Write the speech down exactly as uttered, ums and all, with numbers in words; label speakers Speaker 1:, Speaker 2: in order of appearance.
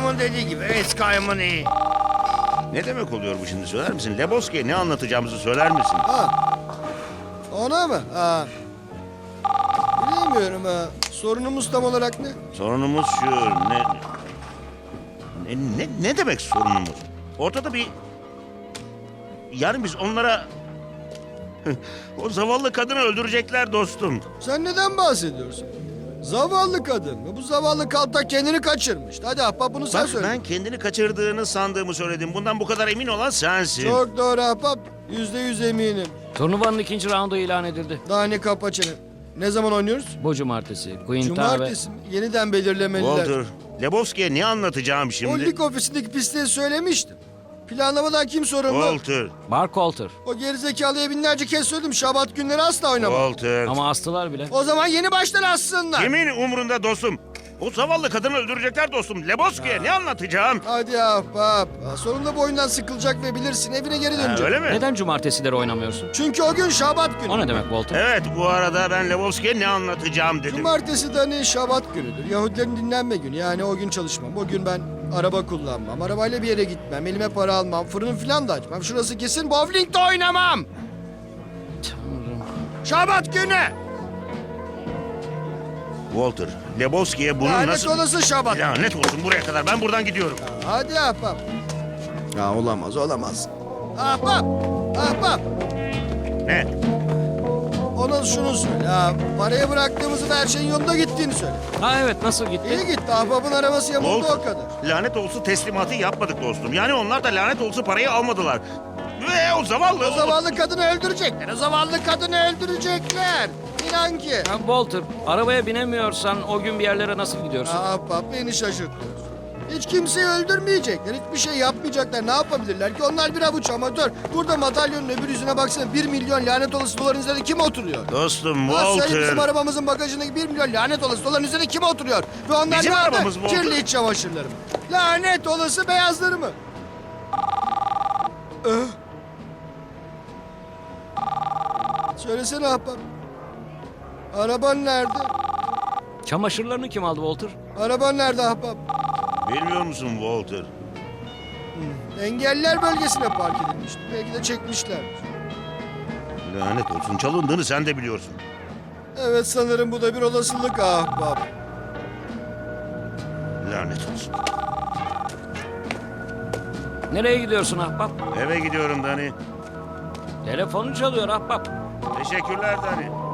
Speaker 1: Adamın dediği gibi Eskay'ımın iyi.
Speaker 2: Ne demek oluyor bu şimdi, söyler misin? Lebowski'ye ne anlatacağımızı söyler misin?
Speaker 3: Ha. Ona mı? Ha. Bilmiyorum ha. Sorunumuz tam olarak ne?
Speaker 2: Sorunumuz şu, ne... Ne, ne, ne demek sorunumuz? Ortada bir... Yani biz onlara... O zavallı kadını öldürecekler dostum.
Speaker 3: Sen neden bahsediyorsun? Zavallı kadın mı? Bu zavallı kaltak kendini kaçırmış. Hadi ahbap bunu sen
Speaker 2: Bak,
Speaker 3: söyle.
Speaker 2: ben kendini kaçırdığını sandığımı söyledim. Bundan bu kadar emin olan sensin.
Speaker 3: Çok doğru ahbap. Yüzde yüz eminim.
Speaker 4: Turnuvanın ikinci raundu ilan edildi.
Speaker 3: Daha ne kapa çene. Ne zaman oynuyoruz?
Speaker 4: Bu cumartesi. Quinta
Speaker 3: Cumartesi mi? Yeniden belirlemeliler.
Speaker 2: Walter, Lebowski'ye ne anlatacağım şimdi?
Speaker 3: O lig ofisindeki pisliği söylemiştim. Planlamadan kim sorumlu?
Speaker 2: Walter,
Speaker 4: ve Mark Walter.
Speaker 3: O gerizekalıya binlerce kez söyledim. Şabat günleri asla oynama.
Speaker 2: Walter.
Speaker 4: Ama astılar bile.
Speaker 3: O zaman yeni baştan assınlar.
Speaker 2: Kimin umrunda dostum? O zavallı kadını öldürecekler dostum. Lebowski'ye ne anlatacağım?
Speaker 3: Hadi ahbap. Ha, sonunda bu oyundan sıkılacak ve bilirsin evine geri
Speaker 2: Ha,
Speaker 3: dönecek.
Speaker 2: öyle mi?
Speaker 4: Neden cumartesileri oynamıyorsun?
Speaker 3: Çünkü o gün Şabat günü.
Speaker 4: O ne demek Walter?
Speaker 2: Evet, bu arada ben Lebowski'ye ne anlatacağım dedim.
Speaker 3: Cumartesi de hani Şabat günüdür. Yahudilerin dinlenme günü. Yani o gün çalışmam. O gün ben araba kullanmam. Arabayla bir yere gitmem. Elime para almam. Fırın falan da açmam. Şurası kesin bowling'de oynamam.
Speaker 4: Tanrım.
Speaker 3: Şabat günü.
Speaker 2: Walter, Lebowski'ye bunu
Speaker 3: Lanet
Speaker 2: nasıl...
Speaker 3: olası Şabat.
Speaker 2: Lanet olsun, buraya kadar. Ben buradan gidiyorum.
Speaker 3: Hadi ahbap. Ya olamaz olamaz. Ahbap. Ahbap.
Speaker 2: Ne?
Speaker 3: Ona şunu söyle. Ha, paraya bıraktığımızı ve her şeyin yolunda gittiğini söyle.
Speaker 4: Ha evet, nasıl gitti?
Speaker 3: İyi gitti. Ahbapın arabası yamuldu o kadar.
Speaker 2: Lanet olsun teslimatı yapmadık dostum. Yani onlar da lanet olsun parayı almadılar. Ve o zavallı...
Speaker 3: O zavallı kadını öldürecekler. O zavallı kadını öldürecekler. İnan ki.
Speaker 4: Ha, Walter, arabaya binemiyorsan o gün bir yerlere nasıl gidiyorsun?
Speaker 3: Ahbap beni şaşırtıyorsun. Hiç kimseyi öldürmeyecekler. Hiçbir şey yapmayacaklar. Ne yapabilirler ki? Onlar bir avuç amatör. Burada madalyonun öbür yüzüne baksana. Bir milyon lanet olası doların üzerinde kim oturuyor?
Speaker 2: Dostum
Speaker 3: Ha, söyle
Speaker 2: Walter...
Speaker 3: bizim arabamızın bagajındaki bir milyon lanet olası doların üzerinde kim oturuyor? Ve onlar
Speaker 2: Bizim
Speaker 3: nerede?
Speaker 2: arabamız mı oldu?
Speaker 3: Kirli iç çamaşırları mı? Lanet olası beyazları mı? Öh. Söylesene ahbap. Araban nerede?
Speaker 4: Çamaşırlarını kim aldı Walter?
Speaker 3: Araban nerede ahbap?
Speaker 2: Bilmiyor musun Walter?
Speaker 3: Engelliler bölgesine park edilmişti. Belki de çekmişler.
Speaker 2: Lanet olsun, çalındığını sen de biliyorsun.
Speaker 3: Evet sanırım bu da bir olasılık ahbap.
Speaker 2: Lanet olsun.
Speaker 4: Nereye gidiyorsun ahbap?
Speaker 2: Eve gidiyorum Dani.
Speaker 4: Telefonu çalıyor ahbap.
Speaker 2: Teşekkürler Dani.